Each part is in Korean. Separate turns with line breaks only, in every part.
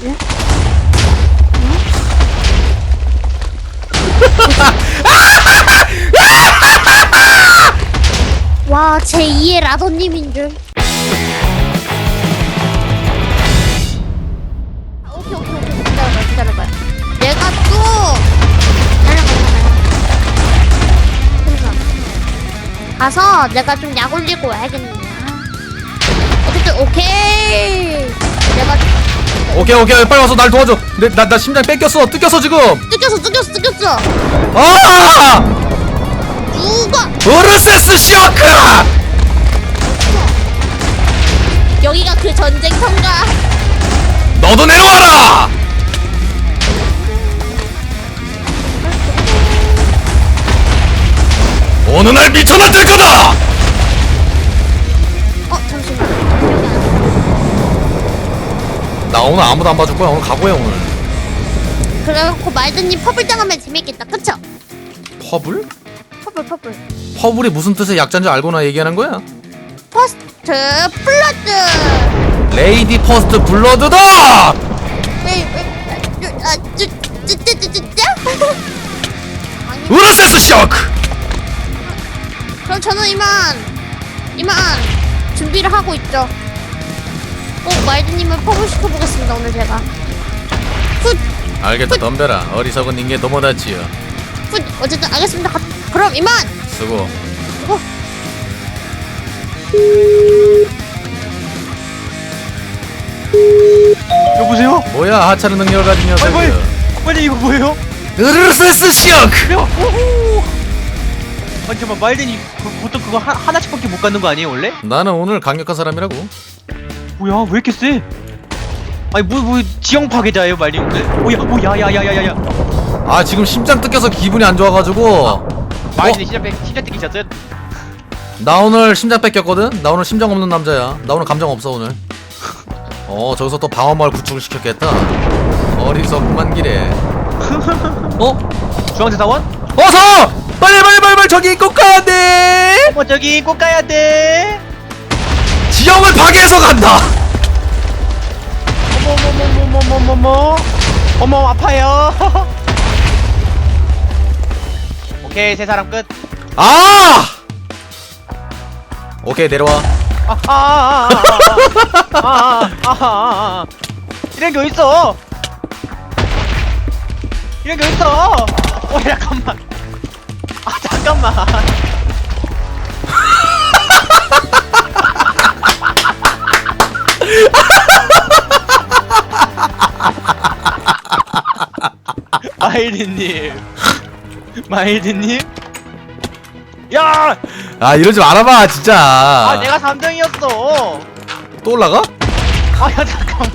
예? 와, 제2의 라더님인 줄. 오케이. 기다려봐요. 내가 또 가서 내가 좀 약 올리고 와야겠네. 어쨌든 오케이. 내가
오케이 빨리 와서 날 도와줘. 나 심장 뺏겼어. 뜯겼어 지금.
뜯겼어.
아!
누가
으르세스 쇼크!
여기가 그 전쟁터인가?
너도 내려와라! 어느 날 미쳐나들 거다!
잠시만.
나 오늘 아무도 안 봐줄 거야. 오늘 각오해 오늘.
그래갖고 말드님 퍼블 당하면 재밌겠다. 그쵸?
퍼블?
퍼블.
퍼블이 무슨 뜻의 약자인지 알고나 얘기하는 거야?
퍼스트 블러드.
레이디 퍼스트 블러드다! 으르세스 쇼크!
그럼 저는 이만 준비를 하고 있죠. 꼭 말드님을 퍼블 시켜보겠습니다. 오늘 제가.
알겠다 덤벼라. 어리석은 인간 도모다치요.
어쨌든 알겠습니다. 그럼 이만.
수고.
여보세요?
뭐야 하찮은 능력을 가진 녀석이야.
아니 이거 뭐예요?
으르세스 쇼크!
아니 잠깐만 말든이 보통 그거 하나씩밖에 못 갖는 거 아니에요 원래?
나는 오늘 강력한 사람이라고.
뭐야 왜 이렇게 세? 아니 뭐 지형 파괴자예요 말린 오늘? 야야야야야야
아 지금 심장 뜯겨서 기분이 안 좋아가지고.
말든이 심장 뜯기셨어요?
나 오늘 심장 뺏겼거든? 나 오늘 심장 없는 남자야. 나 오늘 감정 없어 오늘. 저기서 또 방어마을 구축을 시켰겠다. 어리석구만 기래.
주황색 사원?
어서! 빨리 저기 꼭 가야 돼!
저기 꼭 가야 돼.
지형을 파괴해서 간다!
어머 아파요. 오케이 세 사람 끝.
아! 오케이 내려와.
이런 게 어딨어? 이런 게 어딨어? 잠깐만. 잠깐만. 마일드님. 야!
아 이러지 말아봐 진짜.
내가 3등이었어.
또 올라가?
야 잠깐만.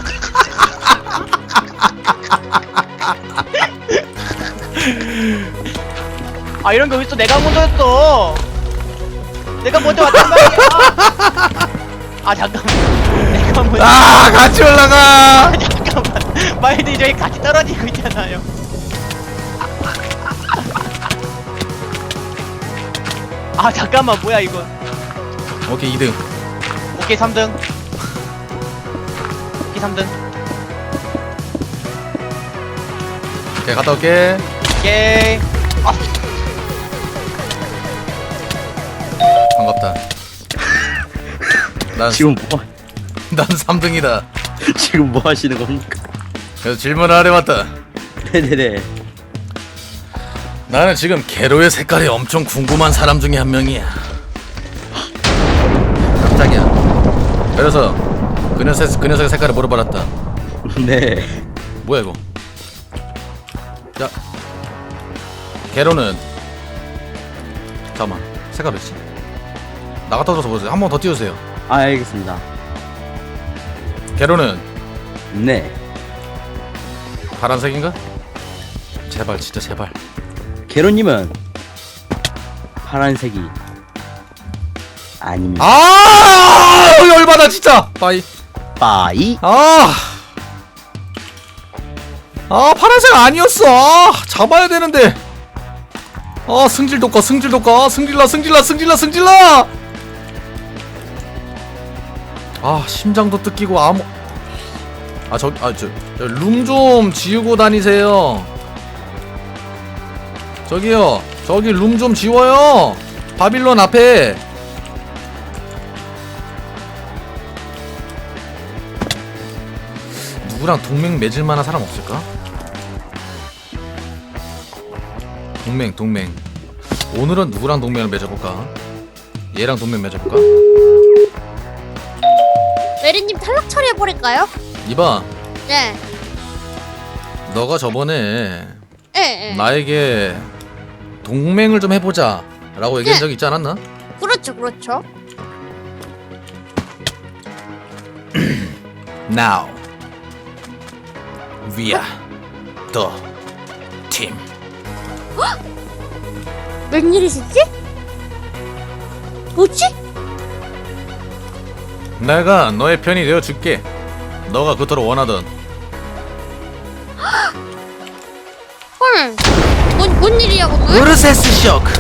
이런 게 어딨어? 내가 먼저였어. 내가 먼저 왔단 말이야. 잠깐만. 내가 먼저.
같이 올라가.
잠깐만. 마일드 저기 같이 떨어지고 있잖아요. 잠깐만 뭐야 이건.
오케이 2등.
오케이 3등. 오케이 3등.
오케이 갔다 올게.
오케이.
반갑다. 난
지금
난 3등이다.
지금 뭐 하시는 겁니까?
그래서 질문을 하려 왔다.
네네네.
나는 지금 게로의 색깔이 엄청 궁금한 사람 중에 한 명이야. 깜짝이야. 그래서 그 녀석의 색깔을 물어봤다.
네.
뭐야 이거? 자, 게로는 잠깐만 색깔 어딨지? 나갔다 들어서 보세요. 한 번 더 띄워주세요.
알겠습니다.
게로는
네.
파란색인가? 제발 진짜 제발.
게로님은 파란색이 아닙니다.
열받아 진짜. 빠이.
빠이.
파란색 아니었어. 잡아야 되는데. 승질 돋가. 승질나. 심장도 뜯기고 룸 좀 지우고 다니세요. 저기요, 저기 룸 좀 지워요. 바빌론 앞에. 누구랑 동맹 맺을 만한 사람 없을까? 동맹. 오늘은 누구랑 동맹을 맺어볼까? 얘랑 동맹 맺어볼까?
메리님 탈락 처리해버릴까요?
이봐,
네.
너가 저번에
예.
나에게 동맹을 좀 해보자 라고 얘기한 적이 있지 않았나?
그렇죠.
Now we are the team.
웬일이시지? 뭐지?
내가 너의 편이 되어줄게. 너가 그토록 원하던.
헐. 뭔 일이야 오늘?
으르세스 쇼크.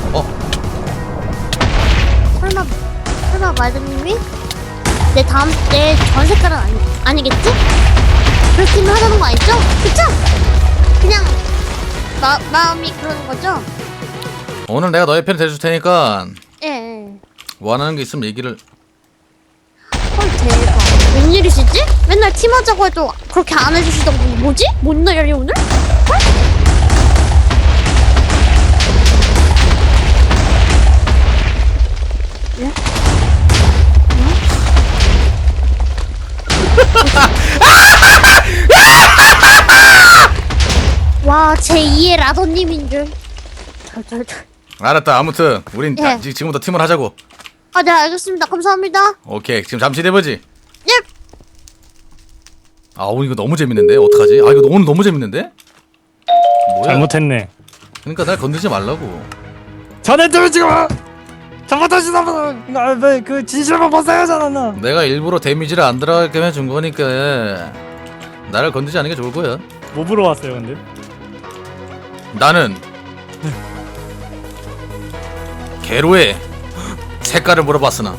설마 말드님이 내 전색깔은 아니겠지? 그렇게는 하자는 거 아니죠? 그쵸? 그냥 마음이 그러는 거죠?
오늘 내가 너의 편이 돼줄 테니까
예.
원하는 게 있으면 얘기를.
헐 대박. 웬일이시지? 맨날 팀하자고 해도 그렇게 안 해주시던 분이 뭐지? 뭔 날이야 오늘? 헐? 예? 와, 제2의 라더님인 줄.
알았다. 아무튼 우린
예.
지금부터 팀을 하자고.
아, 네, 알겠습니다. 감사합니다.
오케이. 지금 잠시 내보지.
예.
아, 오늘 이거 너무 재밌는데 어떡하지? 아, 이거 오늘 너무 재밌는데? 뭐야?
잘못했네.
그러니까 날 건들지 말라고.
자네들 지금 잘못하시나 그 진실만 벗어야지 않았나?
내가 일부러 데미지를 안 들어가게 해준 거니까 나를 건들지 않는 게 좋을 거야.
뭐 보러 왔어요 근데?
나는 게로의 색깔을 물어봤으나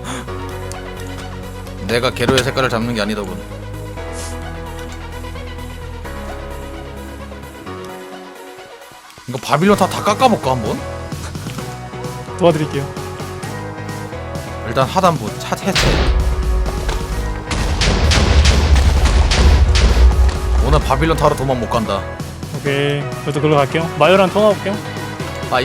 내가 게로의 색깔을 잡는 게 아니더군. 이거 바빌론 다 깎아볼까 한번?
도와드릴게요.
일단 하단부 차 해체. 오늘 바빌론 타러 도망 못 간다.
오케이, 저도 글로 갈게요. 마요랑 통화할게요.
빠이.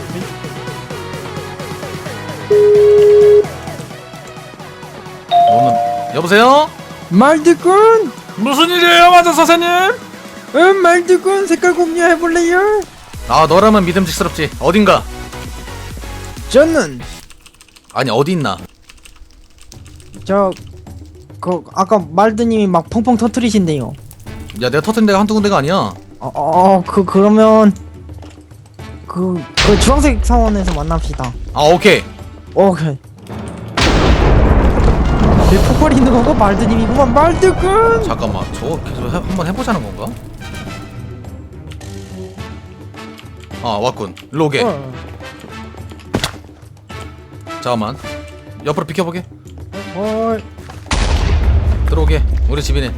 오늘 여보세요?
말드꾼!
무슨 일이에요, 마저 선생님?
말드꾼 색깔 공유해볼래요?
아, 너라면 믿음직스럽지. 어딘가?
저는
아니, 어디 있나?
아까 말드님이 막 펑펑 터트리신대요.
야, 내가 터뜨린 데가 한두 군데가 아니야.
그러면 그 주황색 사원에서 만납시다.
아, 오케이.
오케이. 내 폭발 있는 건가? 말드님이구만. 말드꾼!
잠깐만, 저거 계속 한번 해보자는 건가? 아, 왔군. 로게. 잠깐만, 옆으로 비켜보게. 들어오게. 우리 집이네.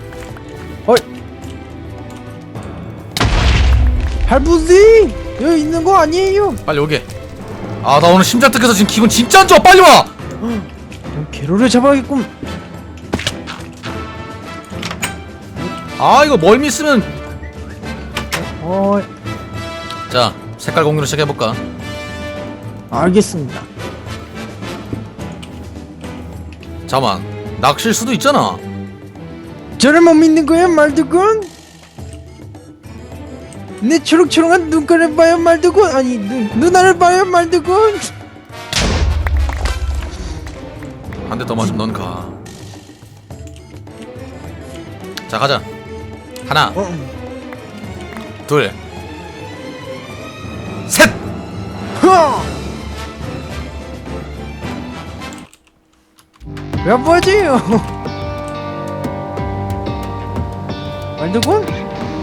할부지! 여기 있는 거 아니에요?
빨리 오게. 아, 나 오늘 심장 뜯겨서 지금 기분 진짜 안 좋아. 빨리 와.
개로를 잡아야겠군.
아, 이거 멀미 쓰면.
어이.
자, 색깔 공유를 시작해볼까?
알겠습니다.
잠깐만, 낚시일 수도 있잖아.
저를 못 믿는 거야, 말드꾼? 내 초록초록한 눈깔을 봐요, 말드꾼. 아니, 누나를 봐요, 말드꾼.
한 대 더 맞으면 넌 가. 자, 가자. 하나, 둘, 셋.
왜 뭐지요? 말드꾼?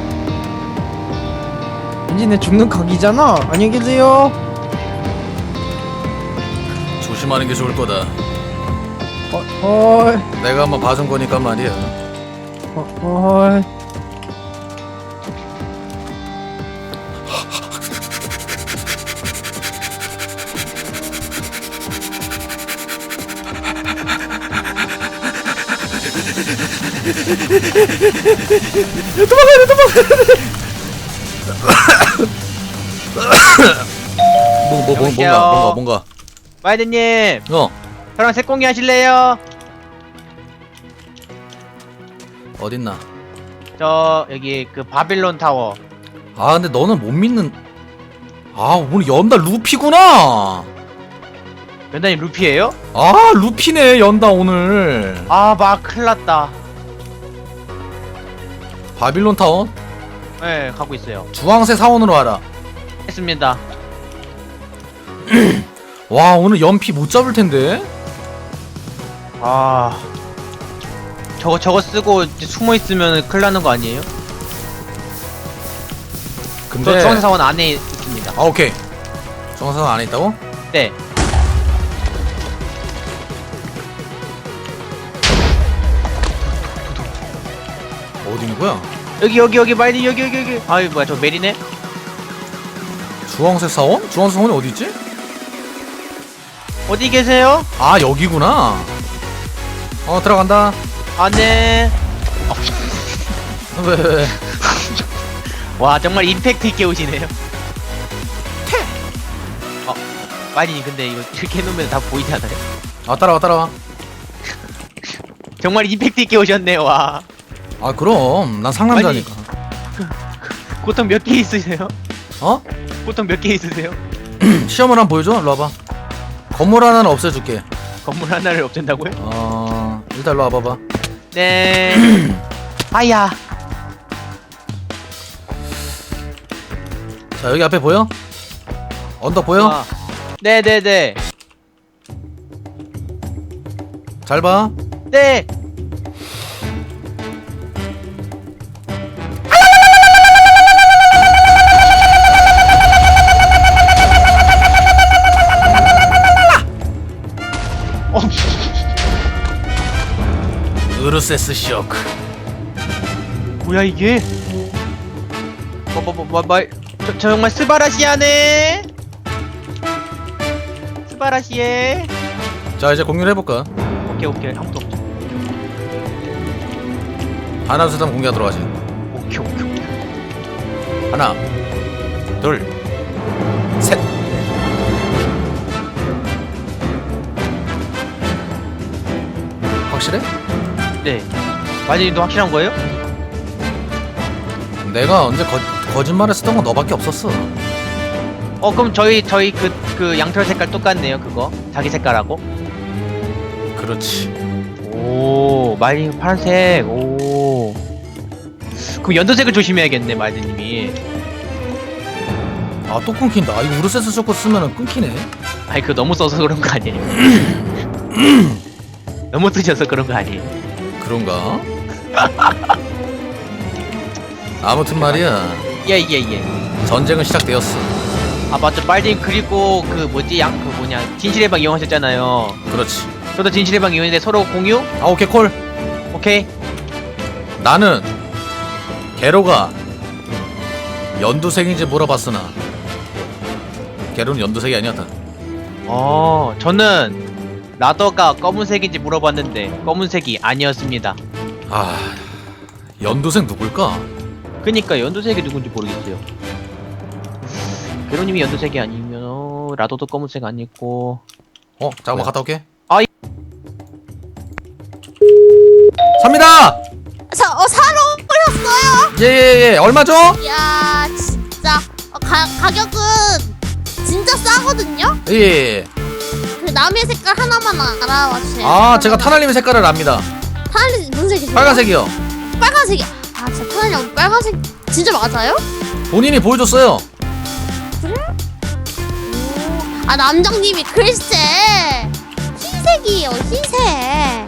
왠지 내 죽는 각이잖아. 안녕히 계세요.
조심하는 게 좋을 거다.
헐.
내가 한번 봐준 거니까 말이야. 뭔가.
마이드님,
어,
저랑 색공기 하실래요?
어딨나?
저 여기 그 바빌론 타워.
아, 근데 너는 못 믿는. 아, 오늘 연다 루피구나.
연단님 루피예요?
아, 루피네 연다 오늘.
아, 막 큰일났다.
바빌론 타운
네, 가고 있어요.
주황색 사원으로 와라.
했습니다.
와, 오늘 연피 못 잡을 텐데.
아, 저거 쓰고 이제 숨어 있으면 큰일 나는 거 아니에요?
근데
저 주황색 사원 안에 있습니다.
아, 오케이. 주황색 사원 안에 있다고?
네.
어디 있는 거야?
여기 마이드 여기. 아이 뭐야 저 메리네?
주황색 사원? 주황색 사원이 어디 있지?
어디 계세요?
아, 여기구나. 들어간다.
안네.
왜?
와 정말 임팩트 있게 오시네요. 마이드님 근데 이거 이렇게 해놓으면 다 보이지 않아요?
아, 따라와.
정말 임팩트 있게 오셨네요. 와.
아, 그럼 난 상남자니까.
보통 몇 개 있으세요?
어?
보통 몇 개 있으세요?
시험을 한번 보여줘. 일로 와봐. 건물 하나는 없애줄게.
건물 하나를 없앤다고요?
일단 일로 와봐봐.
네. 아야.
자, 여기 앞에 보여? 언덕 보여?
아, 네네네.
잘 봐.
네.
으르세스 쇼크.
뭐야 이게? 저 정말 스바라시아네. 스바라시에.
자, 이제 공유를 해볼까?
오케이 아무도 없죠.
하나, 둘, 셋 하면 공개하도록 하지.
오케이.
하나, 둘, 셋. 확실해?
네. 마지님도 확실한 거예요?
내가 언제 거짓말했었던 건 너밖에 없었어.
그럼 저희 그 양털 색깔 똑같네요. 그거 자기 색깔하고.
그렇지.
오, 마지님 파란색. 오. 그럼 연두색을 조심해야겠네, 마지님이.
아, 또 끊긴다. 아, 이거 우르세스 쇼크 쓰면은 끊기네.
아니 그거 너무 써서 그런 거 아니에요? 너무 쓰셔서 그런 거 아니에요?
그런가? 아무튼 말이야,
예.
전쟁은 시작되었어.
아 맞죠, 빨님. 그리고 그 뭐지 진실의 방 이용하셨잖아요.
그렇지.
저도 진실의 방 이용했는데 서로 공유?
아, 오케이, 콜.
오케이.
나는 게로가 연두색인지 물어봤으나 게로는 연두색이 아니었다.
저는 라더가 검은색인지 물어봤는데 검은색이 아니었습니다.
아, 연두색 누굴까?
그니까 연두색이 누군지 모르겠어요. 게로님이 연두색이 아니면 라더도 검은색 아니고.
잠깐만
뭐야?
갔다 올게.
아,
삽니다!
사러 오셨어요?
예. 얼마죠?
이야 진짜 가격은 진짜 싸거든요?
예.
그 남의 색깔 하나만 알아와 주세요.
아, 제가 타날님의 색깔을 압니다.
타날님 무슨 색이세요?
빨간색이요.
빨간색이. 아 진짜 타날님 빨간색 진짜 맞아요?
본인이 보여줬어요.
아 남장님이 글쎄 흰색이에요. 흰색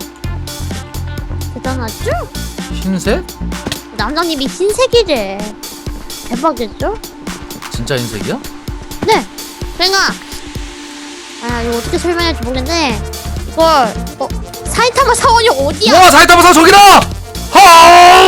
대단하죠?
흰색?
남장님이 흰색이래. 대박이죠?
진짜 흰색이야?
네. 그러니까 이거 어떻게 설명할지 모르겠는데 이걸 사이타마 사원이 어디야?
와, 사이타마 사 저기다! 하!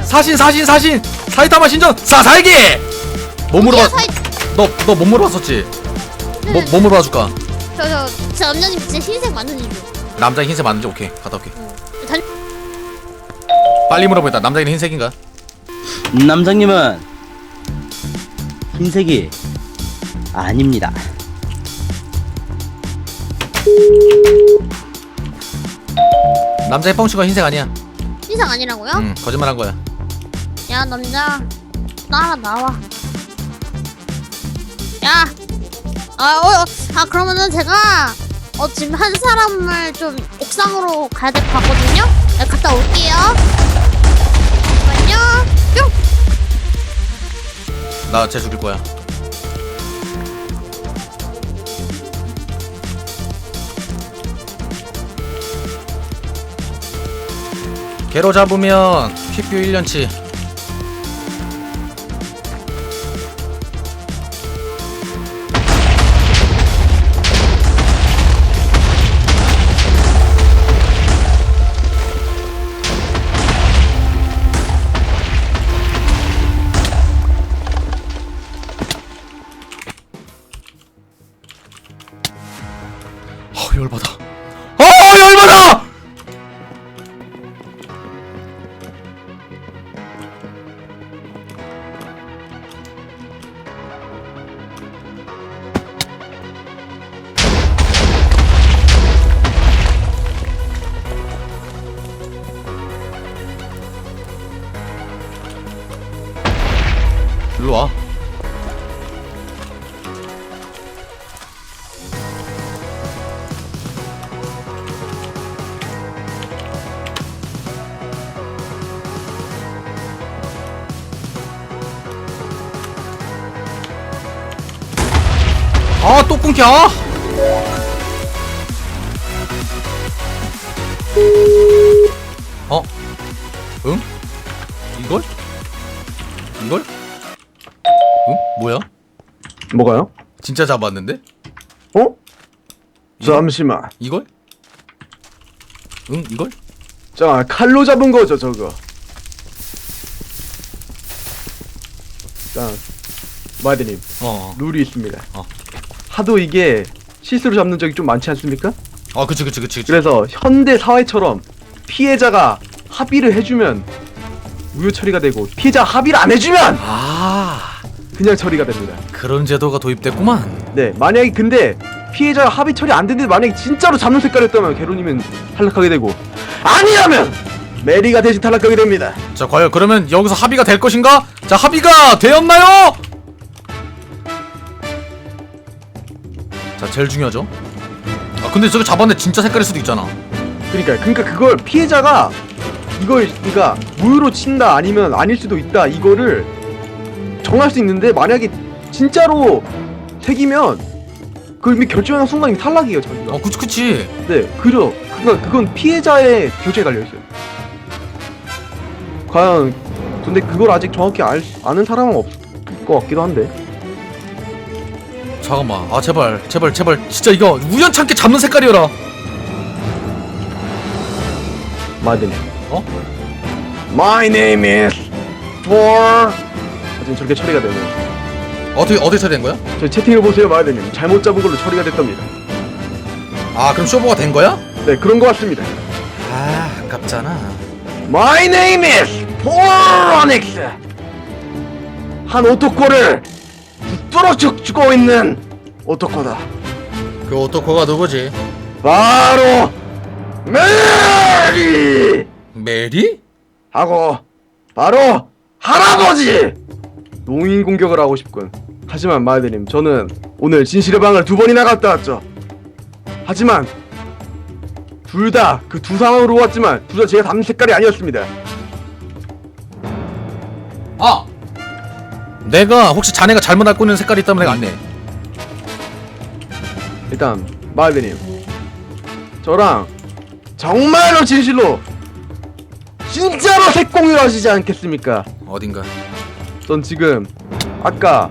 사신 사이타마 신전 사살기. 뭐 물어봐? 너 뭐 물어봤었지? 뭐 물어봐줄까?
저 남자님 진짜 흰색 맞는지 좀.
남자 흰색 맞는지 오케이 갔다 올게.
단...
빨리 물어보겠다. 남자는 흰색인가?
남장님은 흰색이 아닙니다.
남자의 뻥치가 흰색 아니야.
흰색 아니라고요?
응 거짓말한 거야.
야 남자 따라 나와. 야. 그러면은 제가 지금 한 사람을 좀 옥상으로 가야 될 것 같거든요. 네, 갔다 올게요. 잠깐만요. 뿅.
나 쟤 죽일 거야. 개로 잡으면 퀵뷰 1년치. 열받아. 열받아! 일로 와. 또 끊겨. 응? 이걸? 응? 뭐야?
뭐가요?
진짜 잡았는데?
잠시만.
이걸? 응? 이걸?
자, 칼로 잡은 거죠, 저거. 자, 마이드님, 룰이 있습니다. 하도 이게 실수로 잡는 적이 좀 많지 않습니까?
그치.
그래서 현대 사회처럼 피해자가 합의를 해주면 무효 처리가 되고, 피해자 합의를 안 해주면 그냥 처리가 됩니다.
그런 제도가 도입됐구만.
네, 만약에 근데 피해자가 합의 처리 안 됐는데 만약에 진짜로 잡는 색깔이었다면 게로님은 탈락하게 되고, 아니라면 메리가 대신 탈락하게 됩니다.
자, 과연 그러면 여기서 합의가 될 것인가? 자, 합의가 되었나요? 자, 제일 중요하죠. 근데 저거 잡았는데 진짜 색깔일 수도 있잖아.
그러니까 그걸 피해자가 이걸 그러니까 무효로 친다 아니면 아닐 수도 있다 이거를 정할 수 있는데, 만약에 진짜로 색이면 그걸 이미 결정하는 순간 이미 탈락이에요, 자기가.
그치.
네, 그건 피해자의 결정에 달려 있어요. 과연 근데 그걸 아직 정확히 아는 사람은 없을 것 같기도 한데.
잠깐만. 제발 진짜 이거 우연찮게 잡는 색깔이어라.
마든. My name is for. 지금 저렇게 처리가 되네요.
어떻게 처리된 거야?
저 채팅을 보세요, 마든님. 잘못 잡은 걸로 처리가 됐답니다.
그럼 쇼부가 된 거야?
네, 그런 것 같습니다.
아깝잖아.
My name is 포로닉스. 한 오토코를 붙들어 죽고 있는 오토코다.
그 오토코가 누구지?
바로 메리!
메리?
하고 바로 할아버지! 농인 공격을 하고 싶군. 하지만 마이드님, 저는 오늘 진실의 방을 2번이나 갔다 왔죠. 하지만 둘 다 그 두 상황으로 왔지만 둘 다 제가 담는 색깔이 아니었습니다.
내가 혹시 자네가 잘못 알고 있는 색깔이 있다면 내가 안내.
일단 마이드님, 저랑 정말로 진실로 진짜로 색공유를 하시지 않겠습니까?
어딘가.
전 지금 아까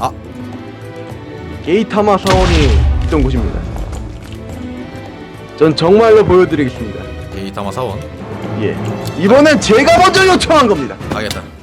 게이타마 사원이 있던 곳입니다. 전 정말로 보여드리겠습니다.
게이타마 사원.
예, 이번엔 제가 먼저 요청한 겁니다.
알겠다.